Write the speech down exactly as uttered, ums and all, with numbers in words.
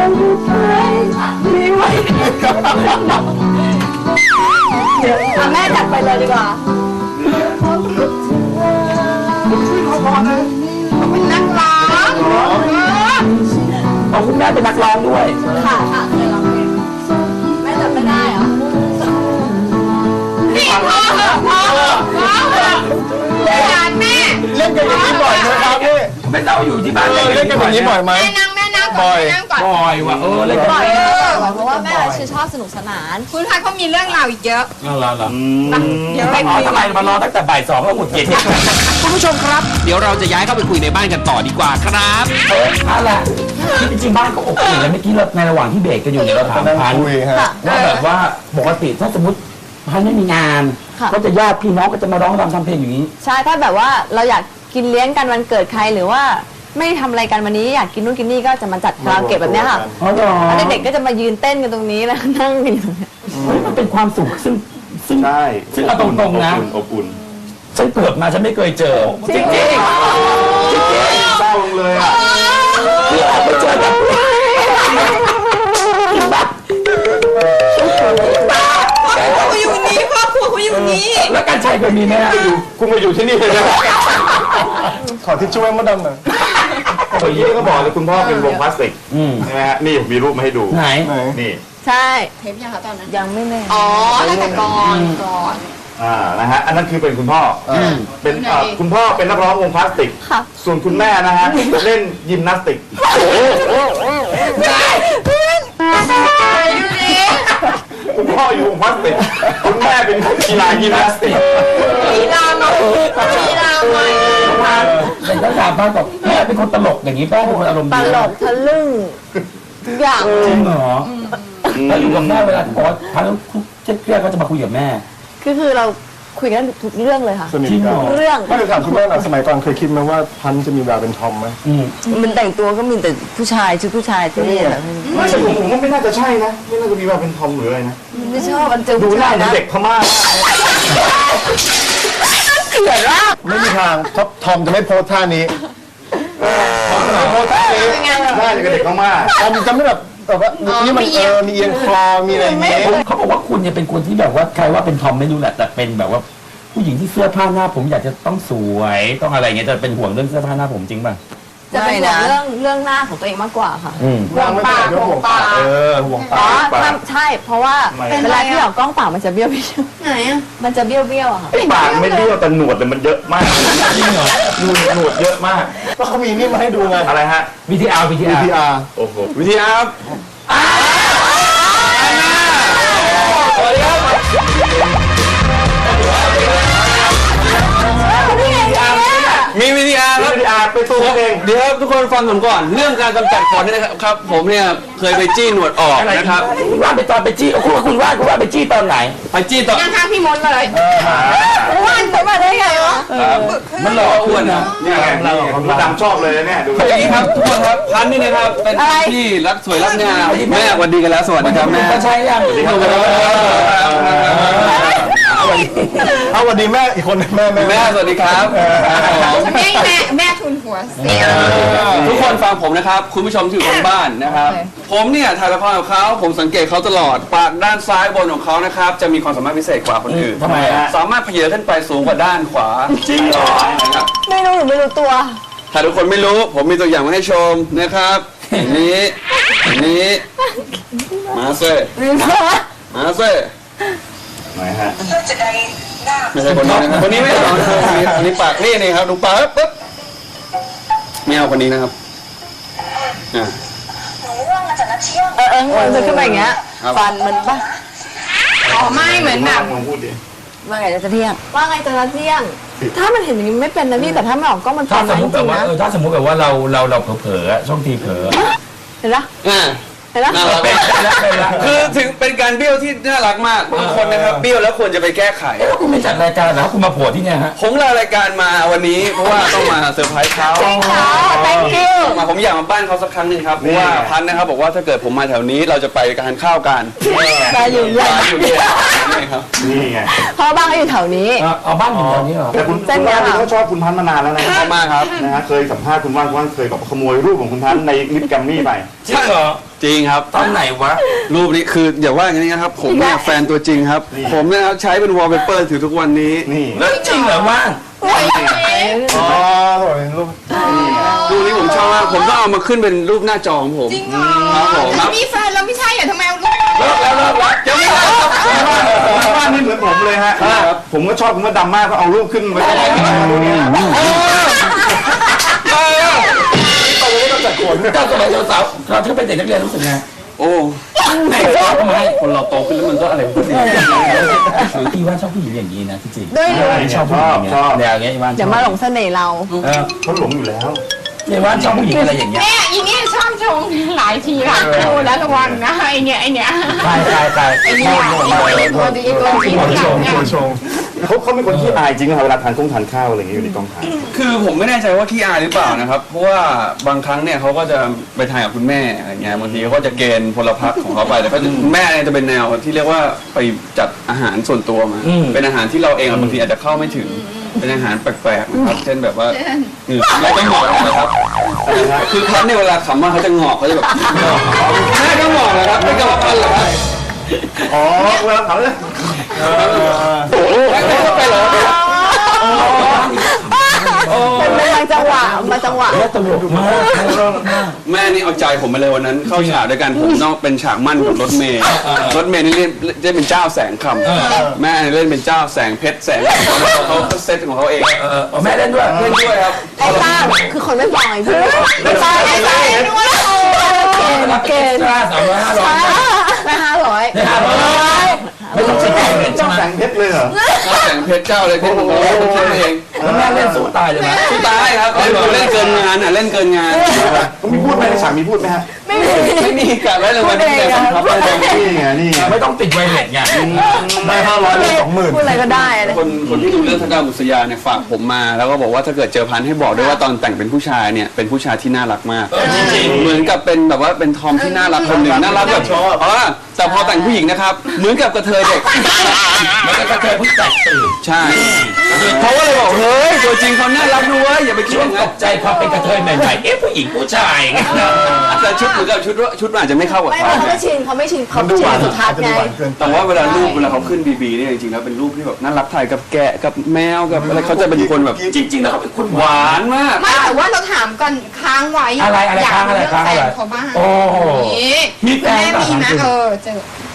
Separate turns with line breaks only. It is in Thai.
แม่จัดไปเลยดีกว่าเป็นนักร้อง
เอาคุณแม่เป็นนักร้องด้วย
ค่ะค่ะเคยร้องเพลงแม่จัดไม่ได้เหรอนี่พอเหรอพอเหรอพอเหรอแม่
เล่นกันอย่างนี้บ่อยไหมครับพี่
ไม่เล่าอยู่ที่บ้าน
เล่นกันอย่างนี้บ่อยไหม
แม่นั่งแม่นั่งก่อนแม่นั่งก่อน
บ่อยว่ะเออเล่น
บ่อยเพราะว่าแม่ชื่นชอบสนุกสนานคุณพัดเขามีเรื่องราวอีกเยอะ
นั่นละล่ะ
เดี๋ยวไป
คุยทำไมมารอตั้งแต่บ่ายสองแล้วหงุดหงิด
คุณผู้ชมครับเดี๋ยวเราจะย้ายเข้าไปคุยในบ้านกันต่อดีกว่าครับ
นั่นแหละที่จริงบ้านก็อบอุ่นแล้วเมื่อกี้เราในระหว่างที่เบรกกันอยู่เนี่ยเราถามพันว่าแบบว่าปกติถ้าสมมติพันไม่มีงานก็จะญาติพี่น้องก็จะมาร้องรำทำเพลงอย่างนี้
ใช่ถ้าแบบว่าเราอยากกินเลี้ยงกันวันเกิดใครหรือว่าไม่ทำอะไรกันวันนี้อยากกินนู่นกินนี่ก็จะมาจัดคาราโอเกะแบบนี้ค่ะแล้วเด็กๆก็จะมายืนเต้นกันตรงนี้แล้วนั่งกันอยู่ตรงนี้
มันเป็นความสุขซึ่งซึ่ง
ใช่
ซึ่งเอาตรงๆนะ
อบอุ่น
ฉันเกิดมาฉันไม่เคยเจอจริงๆจริง
เศร้าเลยอ่ะ
ที่เราไปเจอแบบกินบ้า
เขาอยู่นี้ครอบครัวเขาอยู่นี้
แล้วการชัยเคยมีไหมฮะ
คุณมาอยู่ที่นี่เลยนะขอทิชชู่ให้มดดำหน่อยเมื่อกี้ก็บอกเลยคุณพ่อเป็นวงพลาสติกใช่ไหมฮะนี่ผมมีรูปมาให้ดู
ไหน
นี่
ใช่เทปยังคะตอนนั้นยังไม่แน่อ๋อตั้งแต่ก่อนก่อน
อ่านะฮะอันนั้นคือเป็นคุณพ่อเป็นคุณพ่อเป็นนักร้องวงพลาสติกส่วนคุณแม่นะฮะเล่นยิมนาสติกคุณพ่ออยู่วงพลาสติกคุณแม่เป็นกีฬายิมนาสติก
กีฬาหน่อยกีฬาหน่อย
เป็นนักการบ้านบอกแม่เป็นคนตลกอย่างนี้ป้าเป็นคนอารมณ์ดี
ตลกทะลึ่งทุกอย่าง
จริงเหรอแล้วอยู่กับแม่เวลาพอพันแล้วเครียดๆก็จะมาคุยกับแม่
คือคือเราคุยกันทุกเรื่องเลยค่ะ
สนิทกัน
เรื่อง
ก็เลยถามคุณแม่หน่อยสมัยก่อนเคยคิดไหมว่าพันจะมีแววเป็นทอมไหม
มันแต่งตัวก็มีแต่ผู้ชายชุดผู้ชายที่นี่แหละ
ไม่ใช่ผมผมว่าไม่น่าจะใช่นะไม่น่าจะมีแววเป็นทอมหรืออะไรนะ
ไม่ชอบมันเจอ
ดูหน้าเด็กพม่า
เกลียดว่า
ไม่มีทางทอมจะไม่โพสท่านี้ทอมจะไม่โพสท่านี้หน้าอย่างเด็กพม่าทอมจะไม่แบบแต่ว่านี่มันเออมีเอียงคอมีอะไรอย่างเงี้ย
เขาบอกว่าคุณเนี่ยเป็นคนที่แบบว่าใครว่าเป็นทอมไม่รู้แหละแต่เป็นแบบว่าผู้หญิงที่เสื้อผ้าหน้าผมอยากจะต้องสวยต้องอะไรเงี้ยจะเป็นห่วงเรื่องเสื้อผ้าหน้าผมจริงป่ะ
จะเป็นห่วงเรื่องเรื่องหน้าของตัวเองมากกว่าค่ะ
ห่วงปากห่วงปากเออห่วงปาก
ใช่เพราะว่าเวลาที่ออกกล้องปากมันจะเบี้ยวเบี้ยวไหนอ่ะมันจะเบี้ยวเบี้ยวอะค่ะ
ปากไม่เบี้ยวแต่หนวดแต่มันเยอะมากจริงเหรอหนวดหนวดเยอะมากก็เขามีนี่มาให้ดูไงอะไรฮะ
วี ที อาร์ วี ที
อาร์ โอ้โห วี ที อาร์
สวัสดีครับ
มีวิธีอาร์ครับ
วิธีอาร์ไปตัวเอง
เดี๋ยวทุกคนฟังผมก่อนเรื่องการกำจัดขนนี่นะครับผมเนี่ยเคยไปจี้หนวดออกนะครับ
คุณว่าไปตอนไปจี้คุณคุณว่าคุณว่าไปจี้ตอนไหน
ไปจี้ตอน
ข้างพี่มดเลยอ้วนไปมาได้ไงวะ
มันหล่ออ้วนนะ
เนี่ยเราเราดำชอบเลยเนี่ยดู
อย่างนี้ครับทุกคนครับพันนี่นะครับเป็นที่รักสวยรักงามแม่สวัสดีกันแล้วสวัสดีครับแม่
ใช่ยังสวัสดีครับ
เอาสวัสดีแม่อีกคนแม่แม่
แม่สวัสดีครับ
แม่แม่แม่ทุนหัวเสีย
ทุกคนฟังผมนะครับคุณผู้ชมที่อยู่ทางบ้านนะครับผมเนี่ยถ่ายละครกับเขาผมสังเกตเขาตลอดปากด้านซ้ายบนของเขานะครับจะมีความสามารถพิเศษกว่าคนอื่น
ทำไม
สามารถเพเยอขึ้นไปสูงกว่าด้านขวา
จริงเหรอ
ไม่รู้หรือไม่รู้ตัว
ถ้าทุกคนไม่รู้ผมมีตัวอย่างมาให้ชมนะครับนี้นี้มาเซ่มาเซ่
ไหนฮะ
ไม่ใช่คนนี้นะครับคนนี้ไม่เอานะครับคนนี้ปากนี่นี่ครับดูปากปุ๊บไม่เอาคนนี้นะครับอ่า
เออเออมันขึ้นมาอย่างเงี้ยฟันมันปะอ๋อไม่เหมือนแบบว่าไงจะเที่ยงว่าไงจะเที่ยงถ้ามันเห็นอย่างนี้ไม่เป็นนะพี่แต่ถ้าไม่ออกก็มัน
ถ้าสมมติแบบว่าเออถ้าสมมติแบบว่าเราเราเราเผลอๆช่องทีเผลอ
เห็นปะ
อ่า
เห็นปะ
คือถึงเป็นการเบี้ยวที่น่ารักมากบางคนนะครับเบี้ยวแล้วควรจะไปแก้ไข
แล้วคุณไม่จัดรายการแล้วคุณมาโผล่ที่เนี่ยฮะ
ผมลารายการมาวันนี้เพราะว่าต้องมาเซอร์ไพรส์เขา
thank you
มาผมอยากมาบ้านเขาสักครั้งหนึ่งครับเพราะว่าพันนะครับบอกว่าถ้าเกิดผมมาแถวนี้เราจะไปทานข้าวกัน
มาอยู่
ร้านอยู่เนี่ยครับ
นี่ไง
เพราะบ้านก็อยู่แถวนี้
เอาเอาบ้านอยู่แถวนี้เหรอ
แต่คุณ
เส้น
คุณ
เนี้
ว่าย น
ค่ะ
เขาชอบคุณพันธุ์มานานแล้วนะ
ชอบมากครับ
นะฮะเคยสัมภาษณ์คุณว่านคุณว่านเคยแบบขโมยรูปของคุณพันธุ์ในลิปแกรมมี่ไป
จริงเหรอ
จริงครับ
ตอนไหนวะ
รูปนี้คืออย่าว่าอย่างนี้นะครับ ผมเนี่ยแฟนตัวจริงครับ
นี่
ผมเนี่ยนะครับใช้เป็นวอลเปเปอร์ถือทุกวันนี้
นี่
แล้วจริงเหรอว่าง
อ๋อโถ่เป็นรูป
รูปนี้ผมชอบมากผมก็เอามาขึ้นเป็นรูปหน้าจอของผม
จริงเหรอ
ครับผม
แต่มีแฟนแล้วไม่ใช่เหรอทำไมเอาลูก
เลิกแล้วเลิกแล้ว
ยังไม่ได้ครับ
คุณว่านนี่เหมือนผมเลยฮะผมก็ชอบคุณว่าดำมากก็เอารูปขึ้นไว้ดูนี่นะตอนนี้ต้องจัดขน
เจ้าสมัยสาวๆเราที่เป็นเด็กนักเรียนรู้สึกไง
โอ้
ไหนชอบทำไม
คนเราโตขึ้นแล้วมันก็อะไรก็ดี
พี่ว่าชอบผู้หญิงอย่างนี้นะจริง
ด้วยด้วย
ๆชอบผู้หญิงอย่างเงี้ยแนวอย่างเงี้ยอีวาน
อย่ามาหลงเสน่ห์เรา
เออ
เขาหลงอยู่แล้ว
อีวานชอบผู้หญิงอะไรอย่างเงี้ย
เนี่ยอีเนี่ยชอบชงหลายทีละดูแล้วระวังนะไอเนี่ยไอเนี่ย
ตายตายตาย
ไอเนี่ยไอตัวดีตัวดี
หัวชง
เนี่ย
หัวชง
เขาเขาเป็นคนที่อายจริงนะครับเวลาทานข้งทานข้าวอะไรอย่างเงี้ยอยู่ในกองถ่าย
คือผมไม่แน่ใจว่าขี้อายหรือเปล่านะครับ เพราะว่าบางครั้งเนี่ยเขาก็จะไปถ่ายกับคุณแม่อะไรเงี้ยบางทีเขาก็จะเกณฑ์พลพรรคของเขาไปแต่ก็จะคุณแม่เนี่ยจะเป็นแนวที่เรียกว่าไปจัดอาหารส่วนตัวมา เป็นอาหารที่เราเองอะบางทีอาจจะเข้าไม่ถึง เป็นอาหารแปลกๆนะครับเช่นแบบว่าคือเราก็หงอกนะครับคือพันเนี่ยเวลาขำว่าเขาจะหงอกเขาจะแบบแม่ก็หงอกนะครับไม่ก็แบบพันเหรอครับ
อ๋อเวลาถามเลย
ไม่ไม่ไปเหรอ
เป็นบางจังหวะบางจังหวะ
แล้วตลกมาก
แม่นี่เอาใจผมมาเลยวันนั้นเข้าฉากด้วยกันผมต้องเป็นฉากมั่นกับรถเมย์รถเมย์นี่เล่นเล่นเป็นเจ้าแสงคำแม่เล่นเป็นเจ้าแสงเพชรแสงเขาเขาเซตของเขาเอง
เออแม่เล่นด้วย
เล่นด้วยครับ
ไอ้ต้าคือคนไม่ฟังไอ้พี่ไม่ฟังไอ้ต้าด้วยเกณฑ์
ห้าสามร้อยห้าร้อย
ไม่ห้าร้อย
ห้าร้อยไม่ต้องติดแข่งเลยใช่
เจ้า
ไหม
แสงเพชรเลยเหรอ
เจ้าแสงเพชรเจ้าอะไรเพชรของเขาเขาคิดเอง
แล้วแม่เล่นสู้ตายเลยนะ
สู้ตายครับเล่นเล่นเกินงานอ่ะเล่นเกินงาน
เขามีพูดไหมในฉากมีพูดไหมฮะ
ไม่มี
ไม่มีการไว้รางวัลที่แต่ครับ
นี่ไงนี่ไง
ไม่ต้องติดไวเลสไง
ได้ห้าร้อยได้สองหมื่น
พูดอะไรก็ได้เลย
คนคนที่ดูเรื่องทักดาบุษยาเนี่ยฝากผมมาแล้วก็บอกว่าถ้าเกิดเจอพันให้บอกด้วยว่าตอนแต่งเป็นผู้ชายเนี่ยเป็นผู้ชายที่น่ารักมาก
จริง
เหมือนกับเป็นแบบว่าเป็นทอมที่น่ารักคนหนึ่งน่ารักแบบเพราะว่าแต่พอแต่งผู้หญิงนะครับเหมือนกับกระเทยเด็ก
ๆมันก็กระเทยเพิ่งแตกตื่น
ใช่เขาก็เลยบอกเฮ้ยตัวจริงเขาน่ารักด้วยอย่าไปคิด
ช่ว
อง ย่าง
ต
นั้น
กใจพอเป็นกระเทยใหม่ๆเอ๊ะผู้หญิงผู้ชายไง
แต่ชุดเหมือนกับชุดชุดมันอาจจะไม่เข้ากับ
ไม่
เขา
เขาไม่ชินเขาไม่ชินเขา
มันดู
ชิ
หวาน
นสุทัศน์ไง
แต่ว่าเวลารูปเวลาเขาขึ้นบีบีเนี่ยจริงๆแล้วเป็นรูปที่แบบน่ารักถ่ายกับแกะกับแมวกับอะไรเขาจะเป็นคนแบบ
จริงๆแล้วเขาเป็นคนห
ห
วาน
วานมาก
ไม่แต่ว่าเราถามก่อนค้างไว้
อะไรอะไร
ยาก
ค้างอะไร
เรื่อง
ค้าง
แฟ
อะไร
นเขาบ้าง
โอ้
นี่
มีแฟน
แม่มี
ป่ะ
นะ
ถามจริง
เออเจอ